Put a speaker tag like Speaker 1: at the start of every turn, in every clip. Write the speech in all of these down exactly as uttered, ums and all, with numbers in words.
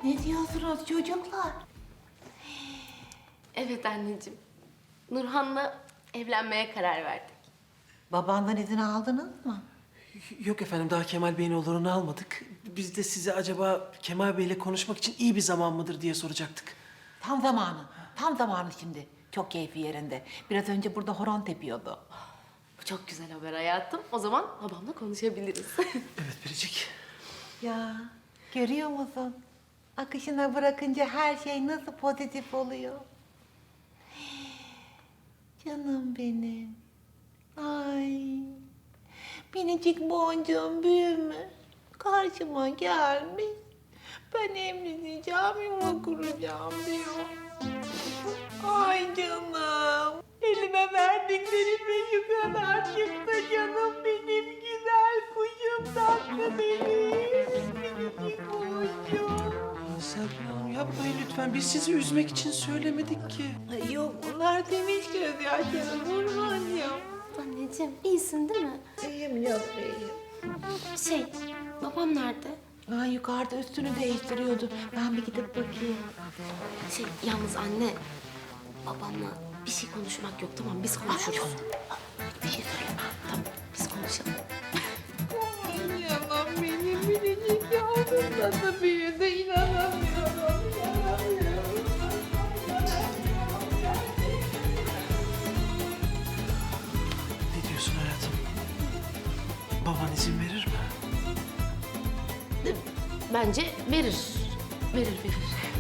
Speaker 1: Ne diyorsunuz çocuklar?
Speaker 2: Evet anneciğim. Nurhan'la evlenmeye karar verdik.
Speaker 1: Babandan izin aldınız mı?
Speaker 3: Yok efendim, daha Kemal Bey'in olurunu almadık. Biz de size acaba Kemal Bey'le konuşmak için iyi bir zaman mıdır diye soracaktık.
Speaker 1: Tam zamanı. Tam zamanı şimdi. Çok keyfi yerinde. Biraz önce burada horon tepiyordu.
Speaker 2: Bu çok güzel haber hayatım. O zaman babamla konuşabiliriz.
Speaker 3: Evet Biricik.
Speaker 1: Ya görüyor musun? Akışına bırakınca her şey nasıl pozitif oluyor. Canım benim. Ay. Minicik boncuğum büyümüş. Karşıma gelmiş. Ben emredeceğim, yuva kuracağım diyor. Ay canım. Elime verdiklerim şu kadar çıktı canım benim güzel kuşum tatlı benim. Minicik boncuğum.
Speaker 3: Serpil Hanım yapmayın lütfen. Biz sizi üzmek için söylemedik ki.
Speaker 1: Ay yok bunlar temiz gözyaşları Nurhan'cığım.
Speaker 2: Anneciğim iyisin değil mi?
Speaker 1: İyiyim canım iyiyim.
Speaker 2: Şey, babam nerede?
Speaker 1: Ay yukarıda üstünü değiştiriyordu. Ben bir gidip bakayım.
Speaker 2: Şey, yalnız anne, babamla bir şey konuşmak yok. Tamam, biz konuşuruz.
Speaker 1: Bir şey söyleme.
Speaker 2: Tamam, biz konuşalım.
Speaker 1: Canım benim minicik yavrum nasıl büyüdü inanamıyorum. İnanamıyorum.
Speaker 3: Ne diyorsun hayatım? Baban izin verir mi?
Speaker 2: Bence verir. Verir, verir.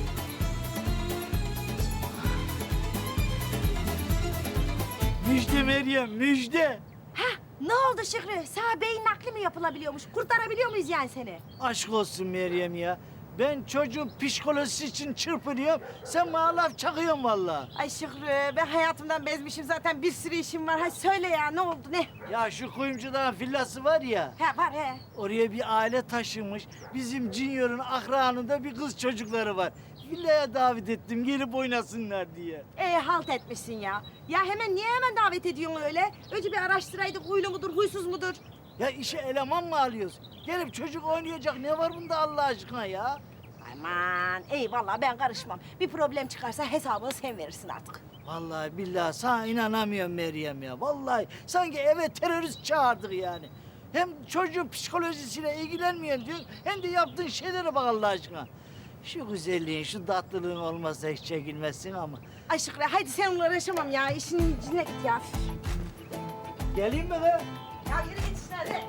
Speaker 4: Müjde Meryem, müjde.
Speaker 5: Ne oldu Şükrü? Sana beyin nakli mi yapılabiliyormuş? Kurtarabiliyor muyuz yani seni?
Speaker 4: Aşk olsun Meryem ya. Ben çocuğun psikolojisi için çırpınıyorum. Sen bana laf çakıyorsun vallahi.
Speaker 5: Ay Şükrü, ben hayatımdan bezmişim zaten. Bir sürü işim var. Hadi söyle ya, ne oldu, ne?
Speaker 4: Ya şu kuyumcudan villası var ya.
Speaker 5: He var he.
Speaker 4: Oraya bir aile taşınmış. Bizim Junior'ın akranında bir kız çocukları var. Villaya davet ettim gelip oynasınlar diye.
Speaker 5: Ee, halt etmişsin ya. Ya hemen niye hemen davet ediyorsun öyle? Önce bir araştıraydık, huylu mudur, huysuz mudur?
Speaker 4: Ya işe eleman mı alıyoruz? Gelip çocuk oynayacak ne var bunda Allah aşkına ya?
Speaker 5: Aman, eyvallah ben karışmam. Bir problem çıkarsa hesabını sen verirsin artık.
Speaker 4: Vallahi billahi sana inanamıyorum Meryem ya. Vallahi sanki eve terörist çağırdık yani. Hem çocuğun psikolojisiyle ilgilenmiyorsun diyorsun, hem de yaptığın şeylere bak Allah aşkına. Şu güzelliğin, şu tatlılığın olmasa hiç çekilmezsin ama.
Speaker 5: Ay Şükrü, hadi seninle uğraşamam ya. İşin içine git ya.
Speaker 4: Geleyim mi be?
Speaker 5: Ya yürü git işine hadi.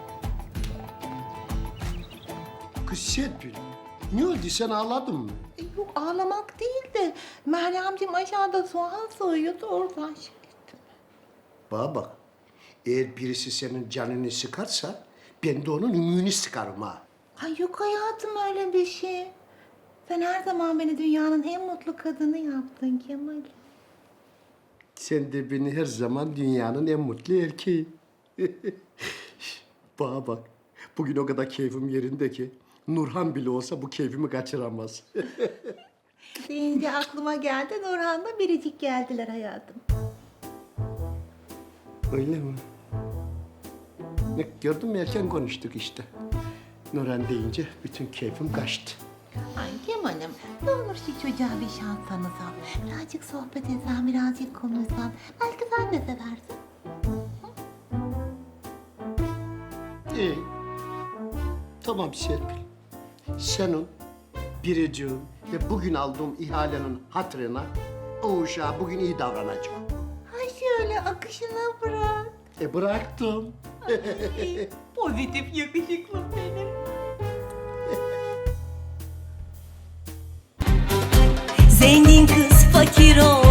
Speaker 6: Kız Serpil, ne oldu sen ağladın mı?
Speaker 1: E, Yok ağlamak değil de Meryemciğim aşağıda soğan soğuyordu oradan şey ettim.
Speaker 6: Bana bak, eğer birisi senin canını sıkarsa ben de onun ümüğünü sıkarım ha.
Speaker 1: Ay yok hayatım öyle bir şey. Sen her zaman beni dünyanın en mutlu kadını yaptın Kemal.
Speaker 6: Sen de beni her zaman dünyanın en mutlu erkeği. Bana bak, bugün o kadar keyfim yerinde ki Nurhan bile olsa bu keyfimi kaçıramaz.
Speaker 1: Deyince aklıma geldi Nurhan'la Biricik geldiler hayatım.
Speaker 6: Öyle mi? Ne, gördün mü erken konuştuk işte. Nurhan deyince bütün keyfim kaçtı.
Speaker 1: Ay Kemal'im ne olur şu çocuğa bir şans tanısan. Birazcık sohbet etsen, birazcık konuşsan. Belki sen de seversin.
Speaker 6: İyi. Tamam Serpil. Senin, Biricik'in ve bugün aldığım ihalenin hatırına o uşağa bugün iyi davranacağım.
Speaker 1: Ay şöyle akışına bırak.
Speaker 6: E bıraktım.
Speaker 1: Ay, pozitif yakışıklım benim.
Speaker 7: Zengin kız fakir ol